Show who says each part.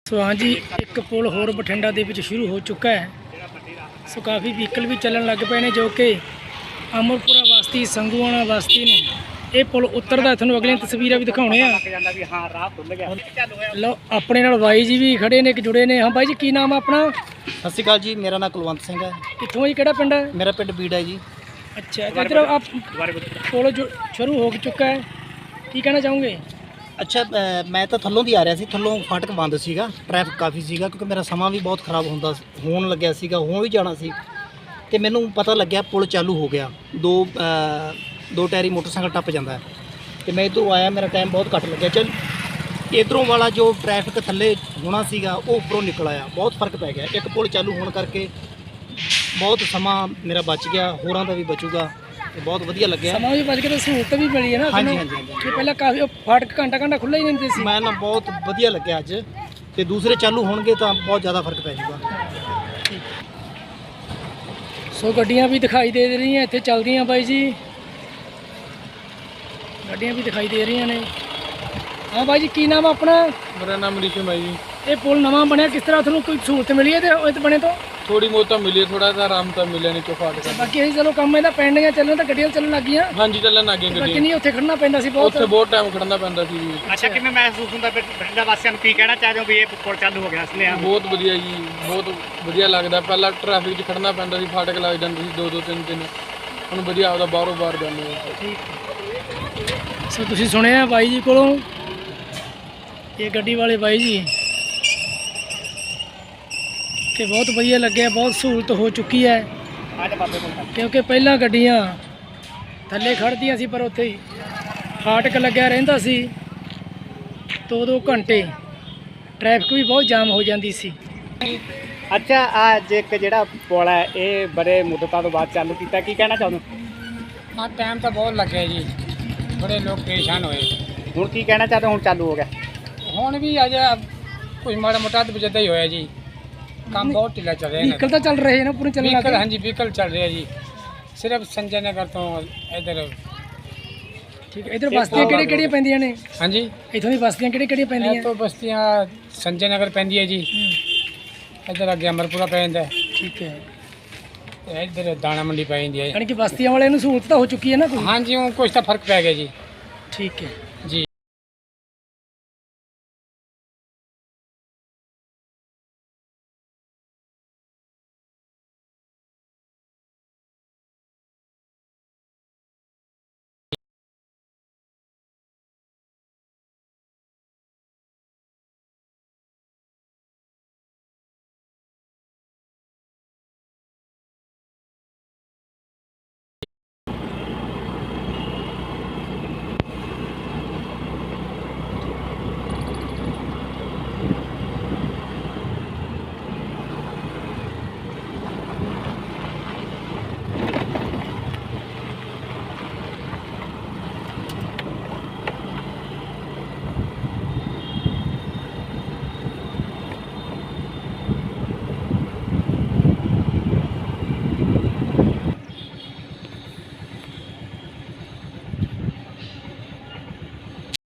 Speaker 1: ਸੋ ਹਾਂਜੀ ਇੱਕ ਪੁਲ ਹੋਰ ਬਠਿੰਡਾ ਦੇ ਵਿੱਚ ਸ਼ੁਰੂ ਹੋ ਚੁੱਕਾ ਹੈ। ਸੋ ਕਾਫੀ ਵਹੀਕਲ ਵੀ ਚੱਲਣ ਲੱਗ ਪਏ ਨੇ ਜੋ ਕਿ ਅਮਰਪੁਰਾ ਬਸਤੀ ਸੰਗੂਆਣਾ ਬਸਤੀ ਨੂੰ ਇਹ ਪੁਲ ਉਤਰਦਾ। ਤੁਹਾਨੂੰ ਅਗਲੀਆਂ ਤਸਵੀਰਾਂ ਵੀ ਦਿਖਾਉਣੇ ਆ। ਲਓ ਆਪਣੇ ਨਾਲ ਬਾਈ ਜੀ ਵੀ ਖੜੇ ਨੇ, ਇੱਕ ਜੁੜੇ ਨੇ। ਹਾਂ ਬਾਈ ਜੀ, ਕੀ ਨਾਮ ਆ ਆਪਣਾ?
Speaker 2: ਸਤਿ ਸ਼੍ਰੀ ਅਕਾਲ ਜੀ, ਮੇਰਾ ਨਾਮ ਕੁਲਵੰਤ ਸਿੰਘ ਹੈ।
Speaker 1: ਕਿੱਥੋਂ ਜੀ, ਕਿਹੜਾ ਪਿੰਡ ਹੈ?
Speaker 2: ਮੇਰਾ ਪਿੰਡ ਬੀੜਾ ਹੈ ਜੀ।
Speaker 1: ਅੱਛਾ, ਇੱਧਰ ਆਪ ਪੁਲ ਸ਼ੁਰੂ ਹੋ ਚੁੱਕਾ ਹੈ, ਕੀ ਕਹਿਣਾ ਚਾਹੋਗੇ?
Speaker 2: ਅੱਛਾ, ਮੈਂ ਤਾਂ ਥੱਲੋਂ ਦੀ ਆ ਰਿਹਾ ਸੀ। ਥੱਲੋਂ ਫਾਟਕ ਬੰਦ ਸੀਗਾ, ਟ੍ਰੈਫਿਕ ਕਾਫੀ ਸੀਗਾ ਕਿਉਂਕਿ ਮੇਰਾ ਸਮਾਂ ਵੀ ਬਹੁਤ ਖਰਾਬ ਹੋਣ ਲੱਗਿਆ ਸੀਗਾ। ਹੋਂ ਵੀ ਜਾਣਾ ਸੀ ਤੇ ਮੈਨੂੰ ਪਤਾ ਲੱਗਿਆ ਪੁਲ ਚਾਲੂ ਹੋ ਗਿਆ। ਦੋ ਟਾਇਰੀ ਮੋਟਰਸਾਈਕਲ ਟੱਪ ਜਾਂਦਾ ਹੈ ਤੇ ਮੈਂ ਇੱਧਰੋਂ ਆਇਆ, ਮੇਰਾ ਟਾਈਮ ਬਹੁਤ ਘੱਟ ਲੱਗਿਆ। ਚੱਲ ਇੱਧਰੋਂ ਵਾਲਾ ਜੋ ਟ੍ਰੈਫਿਕ ਥੱਲੇ ਹੋਣਾ ਸੀਗਾ ਉਹ ਉੱਪਰੋਂ ਨਿਕਲ ਆਇਆ। ਬਹੁਤ ਫਰਕ ਪੈ ਗਿਆ। ਇੱਕ ਪੁਲ ਚਾਲੂ ਹੋਣ ਕਰਕੇ ਬਹੁਤ ਸਮਾਂ ਮੇਰਾ ਬਚ ਗਿਆ, ਹੋਰਾਂ ਦਾ ਵੀ ਬਚੂਗਾ ਤੇ ਬਹੁਤ ਵਧੀਆ ਲੱਗਿਆ।
Speaker 1: ਸਮਾਂ ਵੀ ਬਚ ਗਿਆ ਤੇ ਸਹੂਲਤ ਵੀ ਮਿਲੀ ਹੈ ਨਾ।
Speaker 2: ਹਾਂਜੀ ਹਾਂਜੀ ਹਾਂਜੀ।
Speaker 1: ਕਿ ਪਹਿਲਾਂ ਕਾਫੀ ਫਾਟਕ ਘੰਟਾ ਖੁੱਲ੍ਹਾ ਹੀ ਰਹਿੰਦੇ ਸੀ।
Speaker 2: ਮੈਂ ਨਾ ਬਹੁਤ ਵਧੀਆ ਲੱਗਿਆ ਅੱਜ, ਤੇ ਦੂਸਰੇ ਚਾਲੂ ਹੋਣਗੇ ਤਾਂ ਬਹੁਤ ਜ਼ਿਆਦਾ ਫਰਕ ਪੈ ਜਾਊਗਾ।
Speaker 1: ਸੋ ਗੱਡੀਆਂ ਵੀ ਦਿਖਾਈ ਦੇ ਰਹੀਆਂ ਇੱਥੇ ਚੱਲਦੀਆਂ ਬਾਈ ਜੀ, ਗੱਡੀਆਂ ਵੀ ਦਿਖਾਈ ਦੇ ਰਹੀਆਂ ਨੇ। ਹਾਂ ਬਾਈ ਜੀ, ਕੀ ਨਾਮ ਆ ਆਪਣਾ?
Speaker 3: ਮੇਰਾ ਨਾਮ ਰਿਸ਼ਮ ਹੈ ਜੀ।
Speaker 1: ਇਹ ਪੁਲ ਨਵਾਂ ਬਣਿਆ, ਕਿਸ ਤਰ੍ਹਾਂ ਤੁਹਾਨੂੰ ਕੋਈ ਸਹੂਲਤ ਮਿਲੀ ਹੈ ਤੇ ਇਹ ਬਣੇ ਤੋਂ?
Speaker 3: ਥੋੜੀ ਬਹੁਤ ਤਾਂ ਮਿਲੀ, ਥੋੜਾ ਜਿਹਾ ਆਰਾਮ ਤਾਂ ਮਿਲਿਆ ਨਹੀਂ ਫਾਟਕ।
Speaker 1: ਬਾਕੀ ਅਸੀਂ ਚਲੋ ਕੰਮ ਇਹਦਾ ਪੈਂਡਿੰਗ ਚੱਲਣ ਤਾਂ ਗੱਡੀਆਂ ਚੱਲਣ ਲੱਗ ਗਈਆਂ।
Speaker 3: ਹਾਂਜੀ, ਚੱਲਣ ਲੱਗ ਗਈ ਗੱਡੀ।
Speaker 1: ਬਾਕੀ ਨਹੀਂ, ਉੱਥੇ ਖੜਨਾ ਪੈਂਦਾ ਸੀ ਬਹੁਤ।
Speaker 3: ਉੱਥੇ ਬਹੁਤ ਟਾਈਮ ਖੜਨਾ ਪੈਂਦਾ ਸੀ ਜੀ।
Speaker 4: ਅੱਛਾ, ਕਿਵੇਂ ਮਹਿਸੂਸ ਹੁੰਦਾ ਬਠਿੰਡਾ ਵਾਸੀਆਂ ਨੂੰ? ਕੀ ਕਹਿਣਾ ਚਾਹਦੇ ਹੋ ਵੀ ਇਹ ਪੁਲ ਚਾਲੂ ਹੋ ਗਿਆ ਇਸ ਲਈ?
Speaker 3: ਬਹੁਤ ਵਧੀਆ ਜੀ, ਬਹੁਤ ਵਧੀਆ ਲੱਗਦਾ। ਪਹਿਲਾਂ ਟ੍ਰੈਫਿਕ 'ਚ ਖੜਨਾ ਪੈਂਦਾ ਸੀ, ਫਾਟਕ ਲੱਗ ਜਾਂਦੇ ਸੀ 2-2 3-3। ਹੁਣ ਵਧੀਆ ਆਪਦਾ ਬਾਹਰੋਂ ਬਾਹਰ ਜਾਂਦੇ ਆ।
Speaker 1: ਠੀਕ। ਸੋ ਤੁਸੀਂ ਸੁਣਿਆ ਬਾਈ ਜੀ ਕੋਲੋਂ, ਇਹ ਗੱਡੀ ਵਾਲੇ ਬਾਈ ਜੀ, ਕਿ ਬਹੁਤ ਵਧੀਆ ਲੱਗਿਆ। ਬਹੁਤ ਸਹੂਲਤ ਹੋ ਚੁੱਕੀ ਹੈ ਕਿਉਂਕਿ ਪਹਿਲਾਂ ਗੱਡੀਆਂ ਥੱਲੇ ਖੜ੍ਹਦੀਆਂ ਸੀ ਪਰ ਉੱਥੇ ਹੀ ਫਾਟਕ ਲੱਗਿਆ ਰਹਿੰਦਾ ਸੀ 2-2 ਘੰਟੇ। ਟ੍ਰੈਫਿਕ ਵੀ ਬਹੁਤ ਜਾਮ ਹੋ ਜਾਂਦੀ ਸੀ।
Speaker 4: ਅੱਛਾ, ਅੱਜ ਇੱਕ ਜਿਹੜਾ ਪੁਲ ਹੈ ਇਹ ਬੜੇ ਮੁੱਦਤਾਂ ਤੋਂ ਬਾਅਦ ਚਾਲੂ ਕੀਤਾ, ਕੀ ਕਹਿਣਾ ਚਾਹੁੰਦੇ?
Speaker 5: ਹਾਂ, ਟਾਈਮ ਤਾਂ ਬਹੁਤ ਲੱਗਿਆ ਜੀ, ਬੜੇ ਲੋਕ ਪਰੇਸ਼ਾਨ ਹੋਏ।
Speaker 4: ਹੁਣ ਕੀ ਕਹਿਣਾ ਚਾਹਦੇ? ਹੁਣ ਚਾਲੂ ਹੋ ਗਿਆ।
Speaker 5: ਹੁਣ ਵੀ ਅਜੇ ਕੁਝ ਮਾੜਾ ਮੋਟਾ ਤਾਂ ਜਿੱਦਾਂ ਹੀ ਹੋਇਆ ਜੀ। ਕੰਮ ਬਹੁਤ ਢਿੱਲਾ ਚੱਲ ਰਿਹਾ।
Speaker 1: ਵਹੀਕਲ ਤਾਂ ਚੱਲ ਰਹੇ ਨੇ ਪੂਰੇ ਚੱਲਣ ਲੱਗ
Speaker 5: ਵਹੀਕਲ,
Speaker 1: ਗਏ।
Speaker 5: ਹਾਂਜੀ ਵਹੀਕਲ ਚੱਲ ਰਿਹਾ ਜੀ। ਸਿਰਫ ਸੰਜੇ ਨਗਰ ਤੋਂ ਇੱਧਰ।
Speaker 1: ਠੀਕ ਹੈ, ਇੱਧਰ ਬਸਤੀਆਂ ਕਿਹੜੀਆਂ ਪੈਂਦੀਆਂ ਨੇ?
Speaker 5: ਹਾਂਜੀ,
Speaker 1: ਇੱਥੋਂ ਦੀ ਬਸਤੀਆਂ ਕਿਹੜੀਆਂ ਪੈਂਦੀਆਂ?
Speaker 5: ਇਹ ਤੋਂ ਬਸਤੀਆਂ ਸੰਜੇ ਨਗਰ ਪੈਂਦੀ ਹੈ ਜੀ। ਇੱਧਰ ਅੱਗੇ ਅਮਰਪੁਰਾ ਪੈ ਜਾਂਦਾ ਹੈ
Speaker 1: ਠੀਕ ਹੈ,
Speaker 5: ਤੇ ਇੱਧਰ ਦਾਣਾ ਮੰਡੀ ਪੈ ਜਾਂਦੀ ਹੈ।
Speaker 1: ਯਾਨੀ ਕਿ ਬਸਤੀਆਂ ਵਾਲਿਆਂ ਨੂੰ ਸਹੂਲਤ ਤਾਂ ਹੋ ਚੁੱਕੀ ਹੈ ਨਾ ਕੋਈ?
Speaker 5: ਹਾਂਜੀ, ਉਹ ਕੁਛ ਤਾਂ ਫਰਕ ਪੈ ਗਿਆ ਜੀ।
Speaker 1: ਠੀਕ ਹੈ।